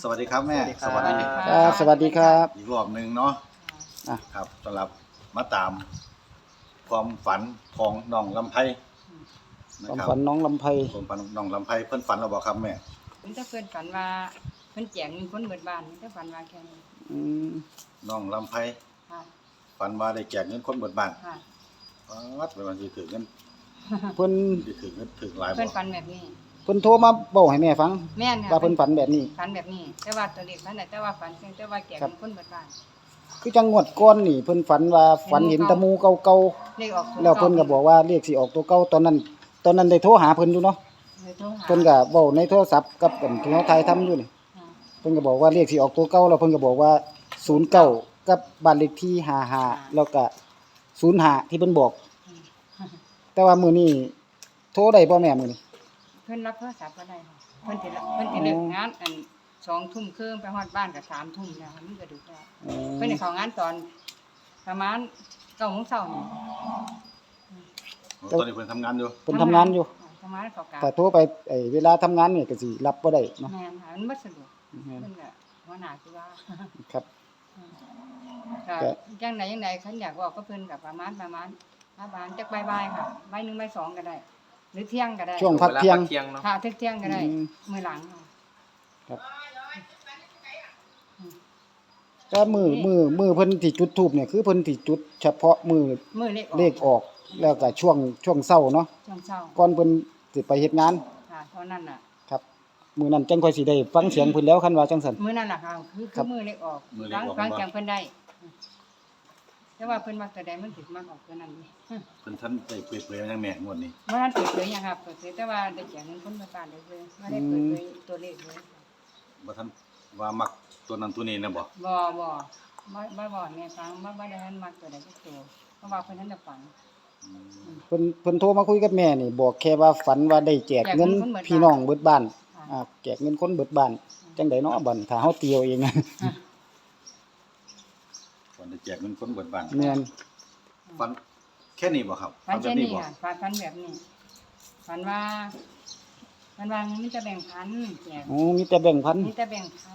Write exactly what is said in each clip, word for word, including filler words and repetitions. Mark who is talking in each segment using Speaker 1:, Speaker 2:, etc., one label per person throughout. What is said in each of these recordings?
Speaker 1: สวัสดีครับแม่
Speaker 2: สวัสดีครับ
Speaker 3: ครับสวัสดีครับ
Speaker 1: อีกรอบหนึ่งเนาะ
Speaker 3: อ่ะ
Speaker 1: ครับสำหรับมาตามความฝันของน้องลำไพนะ
Speaker 3: ความ
Speaker 1: ครับ
Speaker 3: ฝันน้องลำไพ
Speaker 1: ความฝันน้องลำไพเพิ่นฝันเราบอกครับแม่
Speaker 2: มันจะเพิ่นฝันว่าเพิ่นแจกเงินคนเบิดบ้านมันจะฝันว่าแค่นี้
Speaker 3: อืม
Speaker 1: น้องลำไพ
Speaker 2: ค่ะ
Speaker 1: ฝันว่าได้แจกเงินคนเบิดบ้าน
Speaker 2: ค่ะ
Speaker 1: วัดไปวันสิถือเงิน
Speaker 3: เพิ่น
Speaker 1: สิถือเงินถือหลายบ่
Speaker 2: เพิ่นฝันแบบนี้
Speaker 3: เพิ่นโทรมาบอกให้แม่ฟัง
Speaker 2: แม่นค่ะ
Speaker 3: ว่าเพิ่นฝันแบบนี้
Speaker 2: ฝันแบบนี้ แต่ว่าตัวเลขนั้นน่ะแต่ว่าฝันเพียงแต่ว่าแจกเงินคนเบิดบ้าน
Speaker 3: คือจังงวดก่อนนี่เพิ่นฝันว่าฝันเห็นตะมูเก่า
Speaker 2: เลขออก
Speaker 3: ๆแล้วเพิ่นก็บอกว่าเลขสิออกตัวเก่าตอนนั้น ตอนนั้นได้โทรหาเพิ่นอยู่เนาะ
Speaker 2: เลยโทรหา
Speaker 3: เพิ่นก็เว้าในโทรศัพท์กับอันที่เฮาถ่ายทำอยู่นี่
Speaker 2: ค่ะ
Speaker 3: เพิ่นก็บอกว่าเลขสิออกตัวเก่าแล้วเพิ่นก็บอกว่าศูนย์เก้ากับบ้านเลขที่ห้าสิบห้าแล้วก็ศูนย์ห้าที่เพิ่นบอก แต่ว่ามื้อนี้โทรได้บ่แม่มื้อนี้
Speaker 2: เพิ่นรับโทรศัพท์ก็ได้ค่ะเพิ่นสิรับเพิ่นสิเลิกงานอันสองทุ่มครึ่งไปฮอดบ้านก็สามทุ่มแล้วมันก็ดึกแล้ว
Speaker 3: อืม
Speaker 2: เพิ่นสิเข้างานตอนประมาณเก้าโมงเช้านี่
Speaker 1: ตอนนี้เพิ่นทำงานอยู่
Speaker 3: เพิ่นทำงานอยู่
Speaker 2: ทำงานเขากะ
Speaker 3: ถ้าโทรไปไอ้เวลาทำงานนี่ก็สิรับบ่ได้เนาะ
Speaker 2: แม่นค่ะมันบ่สะดวก
Speaker 3: แม่น
Speaker 2: เพิ่นก็หัวหน้าคือว่า
Speaker 3: ครับ
Speaker 2: ก็
Speaker 3: ก็
Speaker 2: จังไดจังไดคันอยากเว้าก็เพิ่นก็ประมาณประมาณประมาณจักบ่ายๆค่ะบ่ายหนึ่งบ่ายสองก็ได้ หรือเที่ยงก็ได้
Speaker 3: ช่วงพักเที่ยง
Speaker 4: เที่ยงเนาะ
Speaker 2: ค่ะเที่ยงก็ได้
Speaker 3: อืม
Speaker 2: มื้อหลังค่ะ
Speaker 3: ครับแต่มือมือมือเพิ่นที่จุดธูปเนี่ยคือเพิ่นที่จุดเฉพาะมือ
Speaker 2: มื้อเลขออก
Speaker 3: เลขออก แล้วก็ช่วงช่วงเช้าเนาะ
Speaker 2: ช่วงเช้า
Speaker 3: ก่อนเพิ่นสิไปเฮ็ดงาน
Speaker 2: ค่ะเท่านั้นน่ะ
Speaker 3: ครับมื้อนั้นจังค่อยสิได้ฟังเสียงเพิ่นแล้วคันว่าจังซั่น
Speaker 2: มื้อนั้นล่ะค่ะคือ
Speaker 3: ครั
Speaker 2: คือบ มื้อเลขออก
Speaker 1: มื้อเลข
Speaker 2: ฟัง
Speaker 1: ออก
Speaker 2: ฟัง
Speaker 1: บ่
Speaker 2: จังเพิ่นได้ แต่ว่าเพิ่นมักแต่ใดมันสิมักออกตัวนั้นนี่
Speaker 1: เพิ่นท่านได้เปิดเผยมาจังแม่งวดนี้
Speaker 2: บ่ทันเปิดเผยหยังครับเปิดเผยแต่ว่าได้แจกเงินคนเบิดบ้านเลยเลยบ่ได้เปิดเผยตัวเลขเลย
Speaker 1: บ่ท่านว่ามักตัวนั้นตัวนี้นะบ่
Speaker 2: บ่บ่บ่บ่บ่แม่ฟังบ่บ่ได้ทันมักตัวใดสักตัวเพราะว่าเพิ่นนั้นจะฝัน
Speaker 3: เพิ่นเพิ่นโทรมาคุยกับแม่นี่บอกแค่ว่าฝันว่าได้แจกเงิน
Speaker 2: แจกเงินคนเบิดบ้าน
Speaker 3: พี่น้องเบิดบ้าน
Speaker 2: ค่ะ
Speaker 3: อ่าแจกเงินคนเบิดบ้านจังได๋เนาะบัดถ้าเฮาเตียวเอง
Speaker 1: ฝันได้แจกเงินคนเบิดบ้าน
Speaker 3: แม่น
Speaker 1: ฝันแค่นี้บ่ครับ
Speaker 2: ฝัน
Speaker 1: แบ
Speaker 2: เช่
Speaker 1: บ
Speaker 2: น
Speaker 1: นี้
Speaker 2: นี้
Speaker 1: บ่
Speaker 2: ค่ะฝันฝันแบบนี้ฝันว่าฝันว่ามันจะแบ่งพันแจก
Speaker 3: โอ้มีแต่แบ่งพัน
Speaker 2: มีแต่แบ่งพัน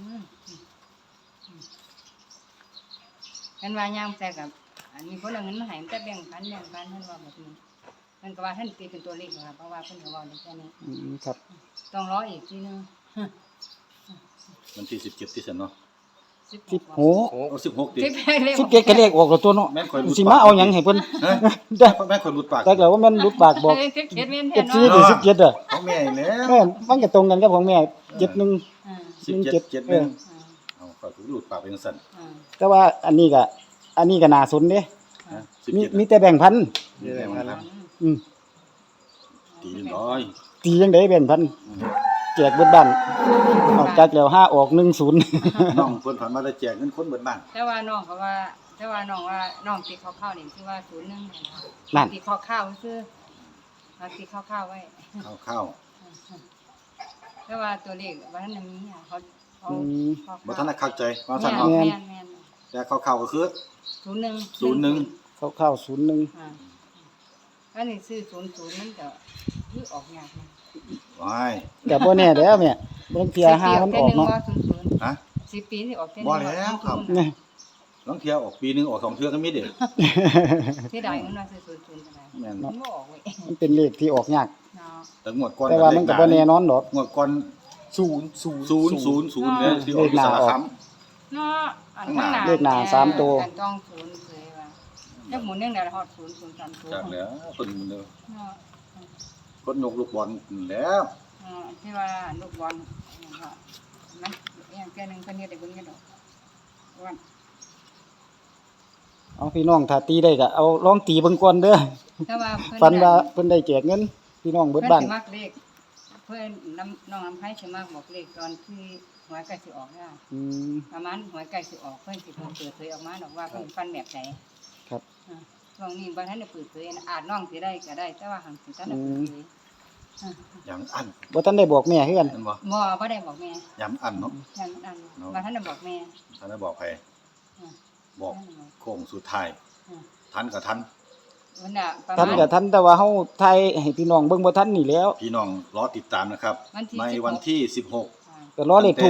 Speaker 2: กันว่ายามแต่กับอันนี้คนเอาเงินมาให้มันแต่แบ่งพันแบ่งพันเพิ่นว่าแบบนี้เพิ่นก็ว่าท่านตีเป็นตัวเลขค่ะเพราะว่าเพิ่นก็เว้าได้แค่นี้
Speaker 3: อืมครับ
Speaker 2: ต้องรออีกทีนึง
Speaker 1: วันที่สิบเจ็ดที่ซั่นเนาะ
Speaker 3: สิบ
Speaker 2: สิบ
Speaker 3: โห
Speaker 4: โอ้
Speaker 1: เอาสิบหกติ
Speaker 2: สิบเลข
Speaker 3: สิบเจ็ดก็เลขออกแล้วตัวเนาะ
Speaker 1: แม่นข่อยรู้
Speaker 3: สิมาเอาหยังให้เพิ่น
Speaker 1: ฮะ
Speaker 3: ได้
Speaker 1: แม่นข่อยหลุดปาก
Speaker 3: แต่แล้วว่าแม่นรุดปากบอก
Speaker 2: เอ้ยสิบเจ็ดเว้นแท
Speaker 3: เจ็
Speaker 2: น
Speaker 3: ดสี่
Speaker 2: เนาะ
Speaker 3: หรือสิบเจ็ดอ่ะ
Speaker 1: ของแม่อีกแล้ว
Speaker 3: แม่นมันก็ตรงกันกับของแม่เจ็ดหนึ่ง
Speaker 2: อ่า
Speaker 1: สิบเจ็ดเจ็ดห
Speaker 3: เอ
Speaker 1: นึ่ง
Speaker 3: อ
Speaker 1: เอาข่อยหลุดปากเป็นจังซั่น
Speaker 2: อ่า
Speaker 3: แต่ว่าอันนี้ก็อันนี้ก็น่าสนเด้
Speaker 1: ฮะ
Speaker 3: มี
Speaker 1: สิบเจ็ด
Speaker 3: มีแต่แบ่งพัน
Speaker 1: มีแต่มันครับ
Speaker 3: อืม
Speaker 1: ตีหนึ่งร้อย
Speaker 3: ตีจังได๋แบ่งพันแจกเบิดบ้านออกจากแล้วห้าออกหนึ่งศูนย์
Speaker 1: น้องเพิ่นฝันว่าได้แจกเงินคนเบิดบ้าน
Speaker 2: แต่ว่าน้องเขาว่า แต่ว่าน้องว่าน้องตีข้าวๆนี่คือว่าศูนย์หนึ่งนะคะ
Speaker 3: นั่น
Speaker 2: ตีข้าวๆคือเอาตีข้าวๆไว้
Speaker 1: ข้าว
Speaker 2: แต่ว่าตัวเลขว่าท่านมีอ่ะเขาเขา
Speaker 3: อืม
Speaker 2: เขา
Speaker 1: ๆบ่ทันได้เข้าใจว่า
Speaker 2: แม่
Speaker 1: ซั่น
Speaker 2: น
Speaker 1: เนาะ
Speaker 2: แม่นแม่น
Speaker 1: แต่ข้าวๆก็คือ
Speaker 2: ศูนย์หนึ่ง
Speaker 1: ศูนย์หนึ่ง
Speaker 3: เข้าๆศูนย์หนึ่ง
Speaker 2: อ่าอันนี้ซื้อศูนย์ศูนย์มันก็คือออกยากนะ
Speaker 1: ว้าย
Speaker 3: ก็บ่แน่เด้อแม่บางเที่ยห้ามันออกเนาะ
Speaker 2: ศูนย์ศูนย์
Speaker 1: ฮะ
Speaker 2: สิบปีนี่ออกเท่า
Speaker 1: บ่แล้วครับ
Speaker 3: นี่
Speaker 1: ลองเที่ยวออกปีหนึงออกสองเทื่อก็มีเด้
Speaker 2: ที่ใดมันว่าซื้อศูนย์ศูนย์ก็ได้
Speaker 1: แม่น
Speaker 2: มันบ่ออกเว้ย
Speaker 3: มันเป็นเลขที่ออกยาก
Speaker 2: เนาะ
Speaker 1: แต่งวดก่อน
Speaker 3: แต่ว่ามันก็บ่แน่นอนดอก
Speaker 1: งวดก่อน
Speaker 4: ศูนย์ศูนย์
Speaker 1: ศูนย์ศูนย์ศูนย์เนี่ยที่ออกที่สารคาม
Speaker 2: เนาะอัน
Speaker 1: ข้างหน้า
Speaker 3: เลขหน้าสามตัว
Speaker 2: อันต้องศูนย์เคยว่าจักหมุนยังได้ฮอดศูนย์ศูนย์สามศูนย์
Speaker 1: จากแล้วเพิ่นมันเด้อ
Speaker 2: เนาะ
Speaker 1: คนนกลูกบอลนั่นแหล้ว
Speaker 2: เนาะที่ว่าลูกบอลนั่นก็มันอย่างแค่นึงเพิ่นเฮ็ดได้เบิ่งอยู่ดอกว่า
Speaker 3: เอาพี่น้องถ้าตีได้ก็เอาลองตีเบิ่งก่อนเด้อ
Speaker 2: แต่ว่าเพิ่น
Speaker 3: ฝันว่าเพิ่นได้แจกเงินพี่น้องเบิดบ้าน
Speaker 2: เพิ่นสิมักเลขเพิ่นน้ำน้องน้ำไผสิมักบอกเลขตอนที่หวยใกล้สิออกค่ะ
Speaker 3: อืม
Speaker 2: ประมาณหวยใกล้สิออกเพิ่นสิเปิดเผยออกมาดอกว่าเพิ่นฟันแบบไหน
Speaker 3: ครับ
Speaker 2: อ่าช่วงนี้บ่ทันได้เปิดเผยนะอาจน้องสิได้ก็ได้ แต่ว่าหังสิทันได้เปิดเผยอ่า
Speaker 1: อย่างอัน
Speaker 3: บ่ทันได้บอกแม่คือกัน
Speaker 1: นั่นบ่
Speaker 2: บ่บ่ได้บอกแม่
Speaker 1: ยำอันเนาะ
Speaker 2: ยันอัน
Speaker 1: เนาะ
Speaker 2: บ่ทันได้บอกแม่
Speaker 1: ท่านได้บอกใคร
Speaker 2: อ่า
Speaker 1: บอกโค้งสุดท้าย
Speaker 2: อ่า
Speaker 1: ทันกับทัน
Speaker 2: วันน่ะประ
Speaker 3: ทัน
Speaker 2: มาณ
Speaker 3: ก็ทันแต่ว่าเฮาทายให้พี่น้องเบิ่งบ่ทันนี่แหล้ว
Speaker 1: พี่น้องรอติดตามนะครับ
Speaker 2: วันที่
Speaker 1: ใน
Speaker 2: สิบหก
Speaker 1: วันที่สิบหก
Speaker 2: อ่า
Speaker 3: ก็รอเลขถูกเนาะ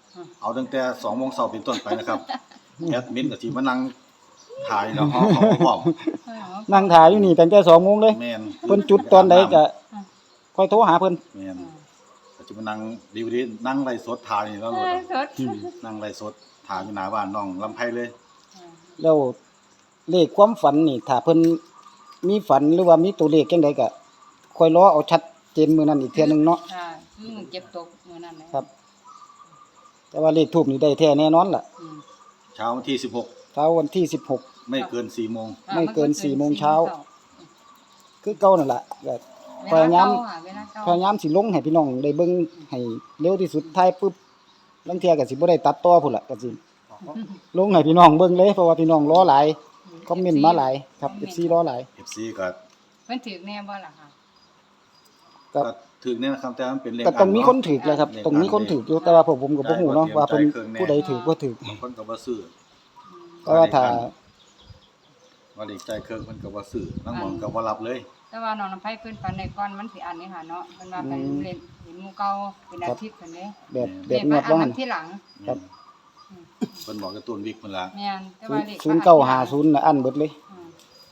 Speaker 2: อืม
Speaker 1: เอาตั้งแต่สองโมงเช้าเป็นต้นไปนะครับแอดมินก็สิมานั่งถ่ายแล้วเฮาเขาพร้อม
Speaker 3: นั่งถ่ายอยู่นี่ตั้งแต่สองโมงเลย
Speaker 1: แม่น
Speaker 3: เพิ่นจุดตอนใดก็ค่อยโทรหาเพิ่น
Speaker 1: แม่นก็สิมานั่งดีดีนั่งไลฟ์สดถ่ายนี่แล้วโลด
Speaker 2: สด
Speaker 1: นั่งไลฟ์สดถ่ายอยู่หน้าบ้านน้องลำไผเลย
Speaker 3: แล้วเลขความฝันนี่ถ้าเพิ่นมีฝันหรือว่ามีตัวเลขจังไดก็ค่อยรอเอาชัดเจนมื้อนั้นอีกเทื่อนึงเนาะ
Speaker 2: ค่ะคือมึงเก็บตกมื้อนั้นแหละ
Speaker 3: ครับ แต่ว่าเลขทูปนี่ได้แท้แน่นอนล่ะ
Speaker 2: อืม
Speaker 1: เช้าวันที่สิบหก
Speaker 3: เช้าวันที่สิบหก
Speaker 1: ไม่เกินสี่โมง
Speaker 2: ค่ะ
Speaker 3: ไม่เกิน
Speaker 2: มั
Speaker 3: สี่โมงเช้า คือเก่านั่นล่ะก็
Speaker 2: เวลาเก่าค่ะเวลาเก่า
Speaker 3: พยายามสิลงให้พี่น้องได้เบิ่งให้เร็วที่สุดท้ายปึ๊บลางเที่ยก็สิบ่ได้ตัดต่อพุ่นล่ะก็สิลงให้พี่น้องเบิ่งเลยเพราะว่าพี่น้องรอหลายคอมเมนต์มาหลายครับ เอฟ ซี รอหลาย
Speaker 1: เอฟ ซี ก็
Speaker 2: เพิ่นถือแน่บ่ล่ะค่ะ
Speaker 3: ก็
Speaker 1: ก็ถึกเนี่ยนะครับแต่มันเป็นเลข
Speaker 3: ก็ต้องมี
Speaker 1: อั
Speaker 3: คน
Speaker 1: เาะ
Speaker 3: ถูกแหล้วครับต้องมีคนถูกอยู่แต่ว่าผมผมก็บ่ฮู้เนาะว่าเพิ่นผู้ใดถูกบ่ถูก
Speaker 1: บางคนก็บ่ซื้อ
Speaker 3: แต่ว่าถ้า
Speaker 1: ว่าเลขใจายเครื่องเพิ่นก็บ่ซื้อลางหม่องก็บ่รับเลย
Speaker 2: แต่ว่าน้องน้ำไผเพิ่นฝันในก่อนมันสิอันนี้ค่ะเนาะเพิ่นว่าเพิ่นเล่นเห็นหมู่เก่าเป็นอาทิตย์เพิ่นเด้
Speaker 3: แบบแบ
Speaker 2: เล
Speaker 3: บ
Speaker 2: ข
Speaker 3: ง
Speaker 2: มั
Speaker 3: วด
Speaker 2: นอั
Speaker 3: ว่าน หั
Speaker 2: มัน นที่หลัง
Speaker 3: ครับ
Speaker 1: เพิ่นบอกกับตูนวิกเพิ่นละ
Speaker 2: แม่นแต่ว่าเลข
Speaker 3: ศูนย์เก้าห้าศูนย์น่ะอันเบิดเลย
Speaker 2: อืม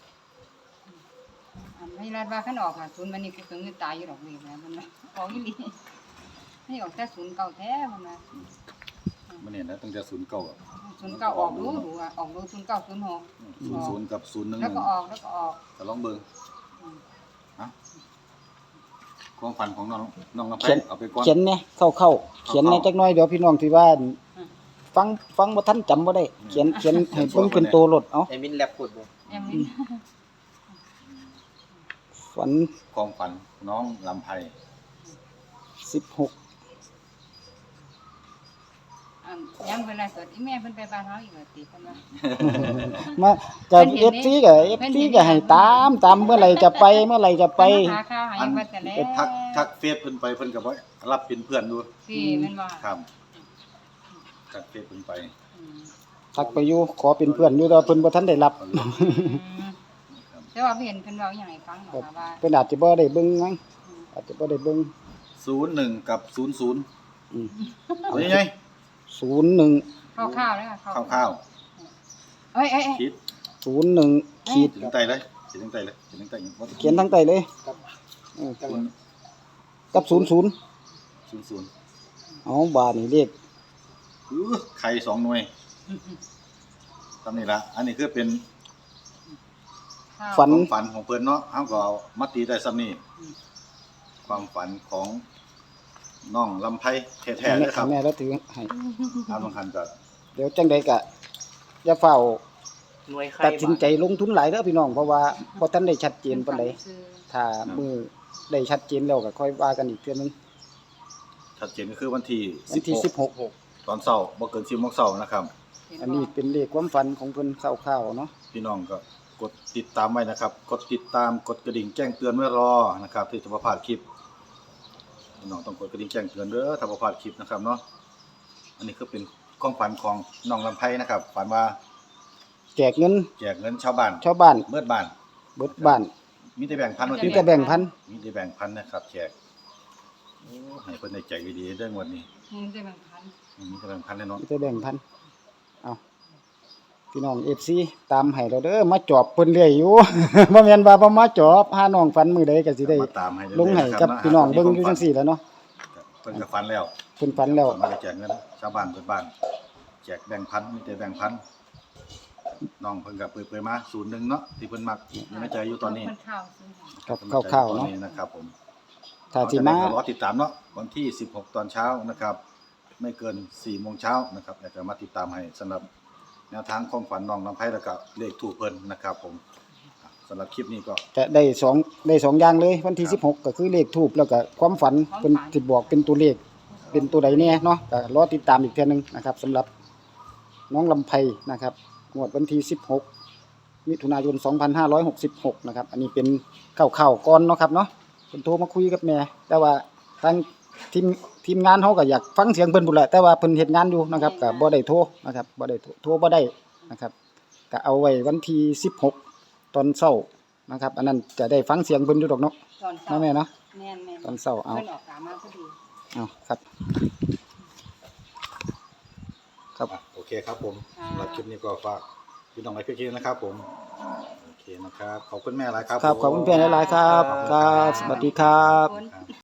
Speaker 2: อันไม่รัดว่าคันออกอ่ะศูนย์วันนี้กูถึงตายอยู่ดอกนี่แหละมันว่าออกอีหลีนี่ออกแต่ศูนย์เก่าแท้มันว่า
Speaker 1: มันเนี่ยนะตั้งแต่ศูนย์เก้าอะ
Speaker 2: ศูนย์เก่าออกรู้รู้อ่ะออกรู้ศูนย์เก่าศูนย์หก
Speaker 1: ศูนย์ศูนย์กับศูนย์หนึ่ง
Speaker 2: แล้วก็ออกแล้วก็ออก
Speaker 1: ก็ลองเบิ่ง
Speaker 2: อืม
Speaker 1: ฮะความฝันของน้องน้องลำไพ
Speaker 3: เขียน
Speaker 1: เอาไปก่อน
Speaker 3: เขียนแหน่เข้าๆเขียนแหน่จักหน่อยเดี๋ยวพี่น้องที่ว่าฟังฟังบ่ทันจำบ่ได้ เขียนเขียนให้เบิ่งเป็นตัวรถเอา
Speaker 4: ไอ้มินแลบพูดบ่
Speaker 2: แอมนี่
Speaker 3: ฝัน
Speaker 1: ความฝันน้องลำไพ
Speaker 3: สิบหก
Speaker 2: อันย้ำเวลาสดอีแม่เพิ่นไปบ้านเฮาอีกแล้วติเพิ่นว่า
Speaker 3: มากับ
Speaker 2: เพิ่น
Speaker 3: เอ
Speaker 2: เห็
Speaker 3: ฟ
Speaker 2: นนี่
Speaker 3: ซีกับเอฟ
Speaker 2: เพิ่น
Speaker 3: ซี
Speaker 2: เห็น
Speaker 3: ก็ให้ตามตามเมื่อไหร่จะไปเมื่อไหร่จะไป
Speaker 2: เพิ่นมาหาข้าวให้
Speaker 1: อัน
Speaker 2: ว่าแต่แล้ว
Speaker 1: ทักทักเฟซเพิ่นไปเพิ่นก็บ่รับเป็นเพื่อนดู
Speaker 2: พี่แม่นบ่
Speaker 1: ครับทักเฟซเพิ่นไป
Speaker 2: อืม
Speaker 3: ทักไปอยู่ขอเป็นเพื่อนอยู่แต่ว่าเพิ่นบ่ทันได้รับ
Speaker 1: เอาเลย
Speaker 2: อืมแต่ว่าเพิ่นเห็นเพิ่นเว้าอีหยังให้ฟังหรอกค่ะว่า
Speaker 3: เพิ่นอาจจะบ่ได้เบิ่งมั้งอาจจะบ่ได้เบิ่ง
Speaker 1: ศูนย์หนึ่งกับศูนย์ศูนย์
Speaker 3: อืม
Speaker 1: เอายังไง
Speaker 3: ศูนย์หนึ่ง
Speaker 2: คร่าวๆเลยค่ะ
Speaker 1: คร่าว
Speaker 2: เอ้ยเอ้ยเอ้ย
Speaker 1: ๆคิด
Speaker 3: ศูนย์หนึ่งขีด
Speaker 1: ถึงใจเลยเขียนถึงใจเลยเขียนถึงใจบ่
Speaker 3: เขียนทั้งใต้เลย
Speaker 1: ศูนย์
Speaker 3: กับศูนย์ศูนย์
Speaker 1: ศูนย์ศูนย์
Speaker 3: เอาบาทนี่เลข
Speaker 1: อื้อไข่สองหน่วยทำนี่ละอันนี้คือเป็น
Speaker 3: ฝัน
Speaker 1: ความฝันของเพิ่นเนาะเฮาก็เอามาตีได้ซ้ำนี่
Speaker 2: อืม
Speaker 1: ความฝันของน้องลำไพแท้ๆเลยครับ
Speaker 3: แม่แล้วถือให้
Speaker 1: อามบางคันก็
Speaker 3: เดี๋ยวจังใดก็อย่าเฝ้า
Speaker 4: หน่วยไข่
Speaker 3: ตัดสินใจลงทุนหลายเด้อพี่น้องเพราะว่าบ่ทันได้ชัดเจนปานใด
Speaker 2: ซื้อ
Speaker 3: ถ้ามือได้ชัดเจนแล้วก็ค่อยว่ากันอีกเทื่อนึง
Speaker 1: ชัดเจนก็คือวันที่
Speaker 3: วันที่สิบหก
Speaker 1: ตอนเช้าบ่เกินสิบโมงเช้านะครับ
Speaker 2: เห็บ่
Speaker 3: อันนี้เป็นเลขความฝันของเพิ่นคร่าวๆเนาะ
Speaker 1: พี่น้องก็กดติดตามไว้นะครับ กดติดตามกดกระดิ่งแจ้งเตือนไว้รอนะครับที่จะบ่พลาดคลิปพี่น้องต้องกดกระดิ่งแจ้งเตือนเด้อถ้าบ่พลาดคลิปนะครับเนาะอันนี้คือเป็นความฝันของน้องลำไพนะครับฝันว่า
Speaker 3: แจกเงิน
Speaker 1: แจกเงินชาวบ้าน
Speaker 3: ชาวบ้าน
Speaker 1: เบิดบ้าน
Speaker 3: เบิดบ้าน
Speaker 1: มีแต่แบ่งพันว่า
Speaker 3: มี
Speaker 1: ที่
Speaker 3: แต่แบ่งพัน
Speaker 1: มีแต่แบ่งพันนะครับแจกโอ้ให้เพิ่นได้ใจดีๆเด้องวดนี้
Speaker 2: มึงได้บางพัน
Speaker 1: มีแต่แบ่งพันแน่นอน
Speaker 3: มีแต่แบ่งพันเอาพี่น้อง เอฟ ซี ตามให้เราเด้อมาจอบเพิ่นเรื่อยอยู่ บ่แม่นว่าบ่มาจอบหาน้องฝันมื้อใดก็สิได้
Speaker 1: มาตามให้เรื่อยๆ
Speaker 3: ลงให้
Speaker 1: ะค
Speaker 3: กั
Speaker 1: รั
Speaker 3: บพี่น้องเบิ่งอยู่จังซี่แหล้วเนาะ
Speaker 1: เพิ่นก็ฝันแล้ว
Speaker 3: เพิ่นฝันแล้ว
Speaker 1: มาได้แจกเงินชาวบ้านเบิดบ้านแจกแบ่งพันมีแต่แบ่งพันน้องเพิ่นก็เปิดๆมาศูนย์หนึ่งเนาะที่เพิ่นมักอยู่ในใจอยู่ตอนนี้
Speaker 2: คนข้าวซื้อให้
Speaker 3: ครับ
Speaker 1: เพิ่นมักใจ
Speaker 3: คร่าวๆ
Speaker 1: ตอ
Speaker 3: เนาะ
Speaker 1: นะครับผม
Speaker 3: ถ้าสิมา
Speaker 1: เอจะได้ก็รอติดตามเนาะวันที่สิบหกตอนเช้านะครับ ไม่เกินสี่โมงเช้านะครับอยากจะมาติดตามให้สำหรับแนวทางของฝันน้องลำไพแล้วก็เลขถูกเพิ่นนะครับผมสำหรับคลิปนี้ก็
Speaker 3: จะได้สองได้สองอย่างเลยวันที่สิบหกก็คือเลขทูปแล้วก็ความฝันเพิ่นสิบอกเป็นตัวเลขเป็นตัวใดแน่เนาะก็รอติดตามอีกเทื่อนึงนะครับสำหรับน้องลำไพนะครับงวดวันที่สิบหกมิถุนายนสองพันห้าร้อยหกสิบหกนะครับอันนี้เป็นข่าวๆก่อนเนาะครับเนาะเพิ่นโทรมาคุยกับแม่แต่ว่าทางทีมทีมงานเฮาก็อยากฟังเสียงเพิ่นพุ่นแหละแต่ว่าเพิ่นเฮ็ดงานอยู่นะครับก็บ่ได้โทรนะครับบ่ได้โทรโทรบ่ได้นะครับก็เอาไว้วันที่สิบหกตอนเช้านะครับอันนั้นจะได้ฟังเสียงเพิ่นอยู่ดอกเนาะ
Speaker 2: ตอนเช้า
Speaker 3: เนาะแม่เนาะ
Speaker 2: แม่นแม่น
Speaker 3: ตอนเช้าเอา
Speaker 2: เพิ่นออกกามาพอดี
Speaker 3: เอาครับครับ
Speaker 1: อ่ะโอเคครับผม
Speaker 2: อ่า
Speaker 1: สำหรับคลิปนี้ก็ฝากพี่น้องไว้เพียงแค่นี้นะครับผมโอเคนะครับขอบคุณแม่หลายครับ
Speaker 3: ครับขอบคุณ
Speaker 1: ผม
Speaker 3: เพื่อนหลายๆครับ ครับ สวัสดีครับ
Speaker 2: ขอบคุณ